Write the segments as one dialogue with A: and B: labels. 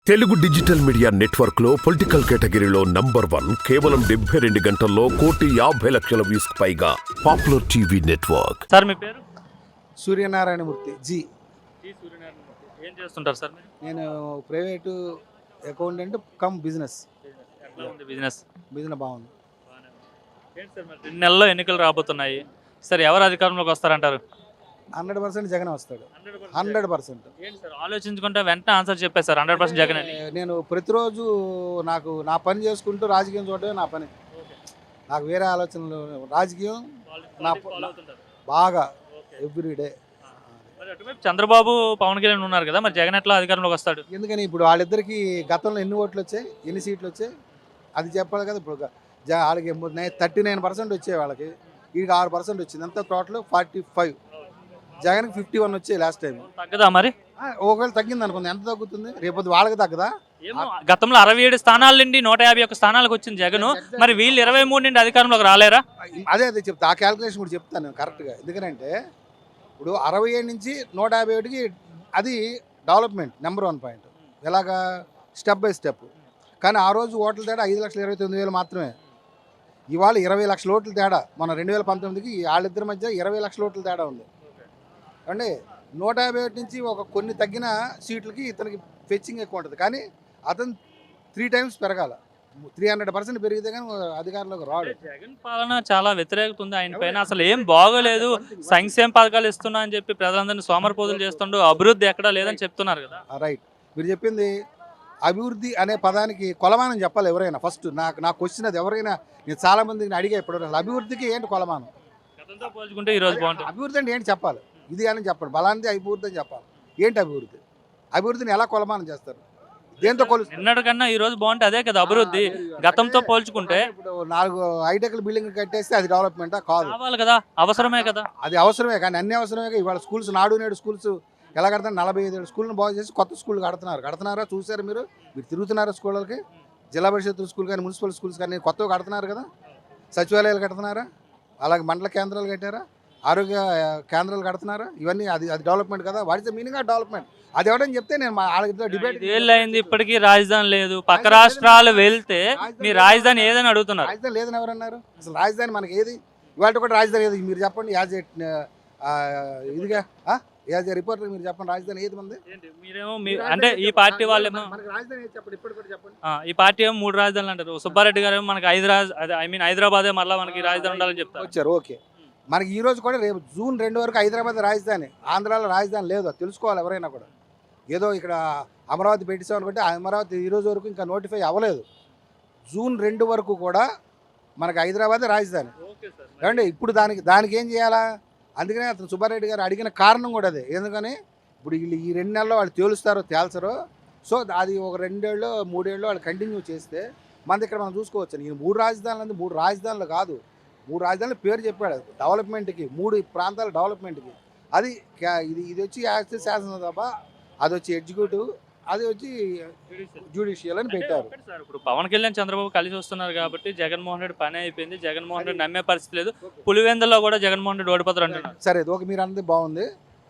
A: Telugu digital media network లో political కేటగిరీలో number 1 కేవలం 72 గంటల్లో 1,50,00,000 వ్యూస్ పైగా పాపులర్ టీవీ నెట్వర్క్.
B: సార్ మీ పేరు?
C: సూర్యనారాయణమూర్తి
B: జి సూర్యనారాయణమూర్తి. ఏం చేస్తుంటారు సార్ మీరు?
C: నేను ప్రైవేటు అకౌంటెంట్ కమ్ బిజినెస్.
B: ఎట్లా ఉంది బిజినెస్?
C: బిజినెస్ బాగుంది.
B: ఏంటి సార్ మరి 2 నెలల్లో ఎన్నికలు రాబోతున్నాయి. సరే ఎవరు అధికారంలోకి వస్తారంటారు?
C: 100% జగన్ వస్తాడు. 100%.
B: ఏంటి సార్ ఆలోచించుకుంటే వెంటనే ఆన్సర్ చెప్పేశారు 100% జగన్ అని.
C: నేను ప్రతిరోజు నా పని చేసుకుంటూ రాజకీయం చూడటమే నా పని. నాకు వేరే ఆలోచనలు రాజకీయం నా బాగా ఎవ్రీడే.
B: మరి అటువైపు చంద్రబాబు పవన్ కళ్యాణ్ ఉన్నారు కదా, మరి జగన్ ఎట్లా అధికారంలోకి వస్తాడు?
C: ఎందుకని ఇప్పుడు వాళ్ళిద్దరికి గతంలో ఎన్ని ఓట్లు వచ్చాయి, ఎన్ని సీట్లు వచ్చాయి అది చెప్పాలి కదా. ఇప్పుడు వాళ్ళకి 39% వచ్చాయి, వాళ్ళకి వీడికి 6% వచ్చింది. అంతా టోటల్ 45. జగన్కి 51 వచ్చాయి లాస్ట్ టైం.
B: తగ్గదా మరి?
C: ఒకవేళ తగ్గింది అనుకుంది, ఎంత తగ్గుతుంది? రేపు వాళ్ళకి తగ్గదా?
B: ఏమో గతంలో 67 స్థానాల నుండి 151 స్థానాలకు వచ్చింది జగన్. మరి వీళ్ళు 23 నుండి అధికారంలోకి రాలేరా?
C: అదే చెప్తా, ఆ క్యాల్కులేషన్ కూడా చెప్తాను నేను కరెక్ట్గా. ఎందుకంటే ఇప్పుడు 67 నుంచి 151కి అది డెవలప్మెంట్ నెంబర్ 1 పాయింట్. ఎలాగా? Step by step. కానీ ఆ రోజు ఓట్ల తేడా 5,29,000 మాత్రమే. ఇవాళ 20 లక్షల ఓట్ల తేడా. మన 2019కి వాళ్ళిద్దరి మధ్య 20 లక్షల ఓట్ల తేడా ఉంది అండి. 151 నుంచి కొన్ని తగ్గిన సీట్లకి ఇతనికి ఫెచ్చింగ్ ఎక్కువ ఉంటుంది. కానీ అతను 3 times పెరగాల. 300% పెరిగితే కానీ అధికారంలోకి రాడు.
B: జగన్ పాలన చాలా వ్యతిరేకత ఉంది ఆయన పైన. అసలు ఏం బాగోలేదు, సంక్షేమ పథకాలు ఇస్తున్నా అని చెప్పి ప్రజలందరినీ సోమరిపోతులు చేస్తుండో అభివృద్ధి ఎక్కడా లేదని చెప్తున్నారు కదా.
C: రైట్, మీరు చెప్పింది. అభివృద్ధి అనే పదానికి కొలమానం చెప్పాలి ఎవరైనా. ఫస్ట్ నాకు క్వశ్చన్ అది. ఎవరైనా నేను చాలా మందిని అడిగా ఇప్పుడు, అసలు అభివృద్ధికి ఏంటి కొలమానం?
B: గతంతో పోల్చుకుంటే ఈరోజు బాగుంటుంది.
C: అభివృద్ధి అంటే ఏంటి చెప్పాలి. ఇది అని చెప్పండి, బలాంది అభివృద్ధి అని చెప్పాలి. ఏంటి అభివృద్ధి? అభివృద్ధిని ఎలా కొలమానం చేస్తారు? దేంతో కొలుస్తారు?
B: నిన్నటి కన్నా ఈ రోజు బాగుంటే అదే కదా అభివృద్ధి. గతంతో పోల్చుకుంటే
C: ఇప్పుడు 4 హైటెక్ బిల్డింగ్ కట్టేస్తే అది డెవలప్మెంటా? కాదు.
B: కావాలి కదా, అవసరమే కదా.
C: అది అవసరమే, కానీ అన్ని అవసరమే. ఇవాళ స్కూల్స్, నాడు నేడు స్కూల్స్ ఎలా కడతారు? 45 స్కూళ్ళని బాగు చేసి కొత్త స్కూల్ కడుతున్నారా? చూసారు మీరు తిరుగుతున్నారా స్కూళ్ళకి? జిల్లా పరిషత్ స్కూల్ కానీ మున్సిపల్ స్కూల్స్ కానీ కొత్తగా కడుతున్నారు కదా. సచివాలయాలు కడుతున్నారా? అలాగే మండల కేంద్రాలు కట్టారా? ఆరోగ్య కేంద్రాలు కడుతున్నారా? ఇవన్నీ అది డెవలప్మెంట్ కదా. What is the meaning of development? అది ఎవడని చెప్తే నేను వాళ్ళతో డిబేట్.
B: అయింది, ఇప్పటికీ రాజధాని లేదు. పక్క రాష్ట్రాలు వెళ్తే మీ రాజధాని ఏదని అడుగుతున్నారు.
C: రాజధాని లేదని ఎవరన్నారు? అసలు రాజధాని మనకి ఏది? ఇవాళ కూడా రాజధాని ఏది మీరు చెప్పండి. యాజ్ ఇదిగా యాజ్ ఏ రిపోర్టర్ మీరు చెప్పండి, రాజధాని ఏది మంది?
B: మీరేమో అంటే ఈ పార్టీ వాళ్ళేమో
C: మనకి రాజధాని ఏది చెప్పండి, ఇప్పటి కూడా చెప్పండి.
B: ఈ పార్టీ ఏమో 3 రాజధానులు అంటారు. సుబ్బారెడ్డి గారు మనకి హైదరాబాదే మళ్ళీ మనకి రాజధాని ఉండాలని చెప్తారు.
C: వచ్చారు, ఓకే. మనకి ఈ రోజు కూడా రేపు జూన్ 2 వరకు హైదరాబాద్ రాజధాని. ఆంధ్రాలో రాజధాని లేదు, తెలుసుకోవాలి ఎవరైనా కూడా. ఏదో ఇక్కడ అమరావతి పెట్టేసామనుకుంటే అమరావతి ఈ రోజు వరకు ఇంకా నోటిఫై అవ్వలేదు. జూన్ 2 వరకు కూడా మనకి హైదరాబాదే రాజధాని. ఏమండి ఇప్పుడు దానికి ఏం చేయాలా? అందుకనే అతను సుబ్బారెడ్డి గారు అడిగిన కారణం కూడా అదే. ఎందుకని ఇప్పుడు వీళ్ళు ఈ 2 నెలల్లో వాళ్ళు తేల్చరో. సో అది ఒక 2 ఏళ్ళు 3 ఏళ్ళు వాళ్ళు కంటిన్యూ చేస్తే మనది ఇక్కడ మనం చూసుకోవచ్చు. ఈ 3 రాజధానులు అంటే 3 రాజధానులు కాదు, 3 రాజధానుల పేరు చెప్పాడు. డెవలప్మెంట్కి 3 ప్రాంతాల డెవలప్మెంట్కి. అది ఇది వచ్చి శాసనసభ, అది వచ్చి ఎగ్జిక్యూటివ్, అది వచ్చి జ్యుడిషియల్ అని పెట్టారు.
B: ఇప్పుడు పవన్ కళ్యాణ్ చంద్రబాబు కలిసి వస్తున్నారు కాబట్టి జగన్మోహన్ రెడ్డి పని అయిపోయింది. జగన్మోహన్ రెడ్డి నమ్మే పరిస్థితి లేదు. పులివెందులో కూడా జగన్మోహన్ రెడ్డి ఓడిపోతారు అంటున్నారు.
C: సరే, ఓకే, మీరు అన్నది బాగుంది.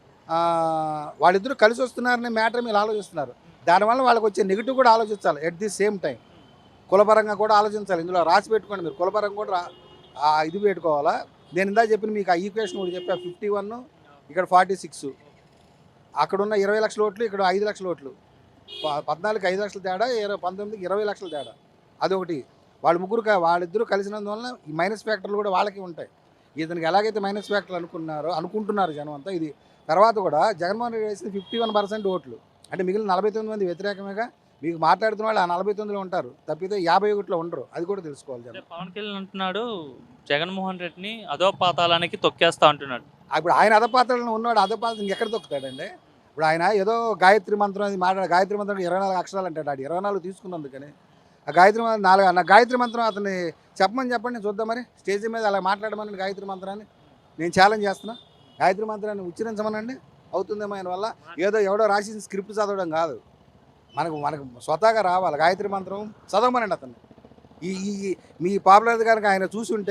C: వాళ్ళిద్దరూ కలిసి వస్తున్నారనే మ్యాటర్ మీరు ఆలోచిస్తున్నారు. దానివల్ల వాళ్ళకి వచ్చే నెగిటివ్ కూడా ఆలోచించాలి. ఎట్ ది సేమ్ టైం కులపరంగా కూడా ఆలోచించాలి. ఇందులో రాసి పెట్టుకోండి మీరు. కులపరంగా కూడా ఇది పెట్టుకోవాలా. నేను ఇందా చెప్పిన మీకు ఆ ఈక్వేషన్ కూడా చెప్పా. 51 ఇక్కడ 46, అక్కడున్న 20 లక్షల ఓట్లు, ఇక్కడ 5 లక్షల ఓట్లు. 14కి 5 లక్షల తేడా, 19కి 20 లక్షల తేడా. అదొకటి. వాళ్ళిద్దరూ కలిసినందువల్ల ఈ మైనస్ ఫ్యాక్టర్లు కూడా వాళ్ళకి ఉంటాయి. ఇతనికి ఎలాగైతే మైనస్ ఫ్యాక్టర్లు అనుకుంటున్నారు జనం అంతా. ఇది తర్వాత కూడా జగన్మోహన్ రెడ్డి వేసింది 51% ఓట్లు. అంటే మిగిలిన 49 మంది వ్యతిరేకమేగా. మీకు మాట్లాడుతున్న వాళ్ళు ఆ 49లో ఉంటారు, తప్పితే 51లో ఉండరు. అది కూడా తెలుసుకోవాలి జనం.
B: పవన్ కళ్యాణ్ అంటున్నాడు జగన్మోహన్ రెడ్డిని అధోపాతాళానికి తొక్కేస్తా అంటున్నాడు.
C: ఇప్పుడు ఆయన అధపాత్రలను ఉన్నాడు, అధపాత్ర ఇంకెక్కడ తొక్కుతాడండి? ఇప్పుడు ఆయన ఏదో గాయత్రి మంత్రం అది గాయత్రి మంత్రం 24 అక్షరాలు అంటాడు. 24 తీసుకున్నందుకని ఆ గాయత్రి మంత్రం 4 గాయత్రి మంత్రం అతన్ని చెప్పమని చెప్పండి, నేను చూద్దాం. మరి స్టేజ్ మీద అలా మాట్లాడమని గాయత్రి మంత్రాన్ని నేను ఛాలెంజ్ చేస్తున్నా. గాయత్రి మంత్రాన్ని ఉచ్చరించమనండి, అవుతుందేమో ఆయన వల్ల. ఎవడో రాసిన స్క్రిప్ట్ చదవడం కాదు, మనకు స్వతహాగా రావాలి. గాయత్రి మంత్రం చదవమనండి అతన్ని. మీ పాపులర్ కనుక ఆయన చూసుంటే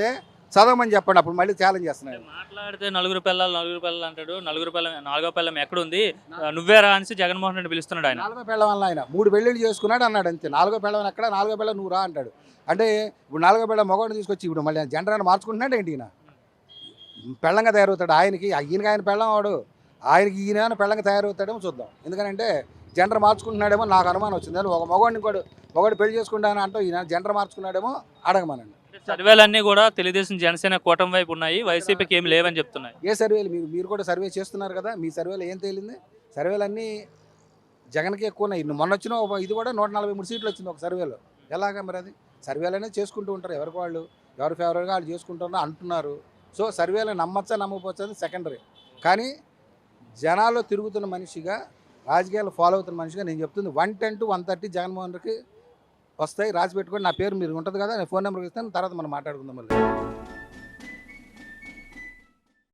C: చదవమని చెప్పండి, అప్పుడు మళ్ళీ ఛాలెంజ్ చేస్తున్నాడు.
B: మాట్లాడితే నలుగురు పిల్లలు అంటాడు. నాలుగో పిల్లం ఎక్కడుంది నువ్వేరా అనేసి జగన్మోహన్ రెడ్డి పిలుస్తున్నాడు ఆయన.
C: 4వ పెళ్ళం వల్ల ఆయన 3 పెళ్ళిళ్ళు చేసుకున్నాడు అన్నాడు అంతే. 4వ పెళ్ళం ఎక్కడ, 4వ పెళ్ళం నువ్వు రా అంటాడు. అంటే ఇప్పుడు 4వ పెళ్ళం మగవాడిని తీసుకొచ్చి ఇప్పుడు మళ్ళీ జెండర్ అని మార్చుకుంటున్నాడు ఏంటి ఈయన? పెళ్ళంగా తయారవుతాడు ఆయనకి, ఆయన పెళ్ళం వాడు, ఆయనకి ఈయన పెళ్ళంగా తయారవుతాడేమో చూద్దాం. ఎందుకంటే జెండర్ మార్చుకుంటున్నాడేమో నాకు అనుమానం వచ్చింది. ఒక మగవాడిని పెళ్లి చేసుకుంటాను అంటూ ఈయన జెండర్ మార్చుకున్నాడేమో అడగమనండి.
B: సర్వేలన్నీ కూడా తెలుగుదేశం జనసేన కూటమి వైపు ఉన్నాయి, వైసీపీకి ఏమి లేవని చెప్తున్నాయి.
C: ఏ సర్వేలు మీరు కూడా సర్వే చేస్తున్నారు కదా, మీ సర్వేలో ఏం తేలింది? సర్వేలు అన్నీ జగన్కి ఎక్కువ ఉన్నాయి. మొన్న వచ్చిన ఇది కూడా 143 సీట్లు వచ్చింది ఒక సర్వేలో. ఎలాగా మరి అది? సర్వేలు అనేది చేసుకుంటూ ఉంటారు, ఎవరికి వాళ్ళు ఎవరి ఫేవరెట్గా వాళ్ళు చేసుకుంటున్నారు అంటున్నారు. సో సర్వేలు నమ్మచ్చా నమ్మకపోవచ్చు అది సెకండరీ. కానీ జనాల్లో తిరుగుతున్న మనిషిగా, రాజకీయాలు ఫాలో అవుతున్న మనిషిగా నేను చెప్తుంది 110 to 130 జగన్మోహన్ రెడ్డికి వస్తాయి. రాసి పెట్టుకొని నా పేరు మీరు ఉంటుంది కదా, నేను ఫోన్ నెంబర్కి ఇస్తాను, తర్వాత మనం మాట్లాడుకుందాం మళ్ళీ.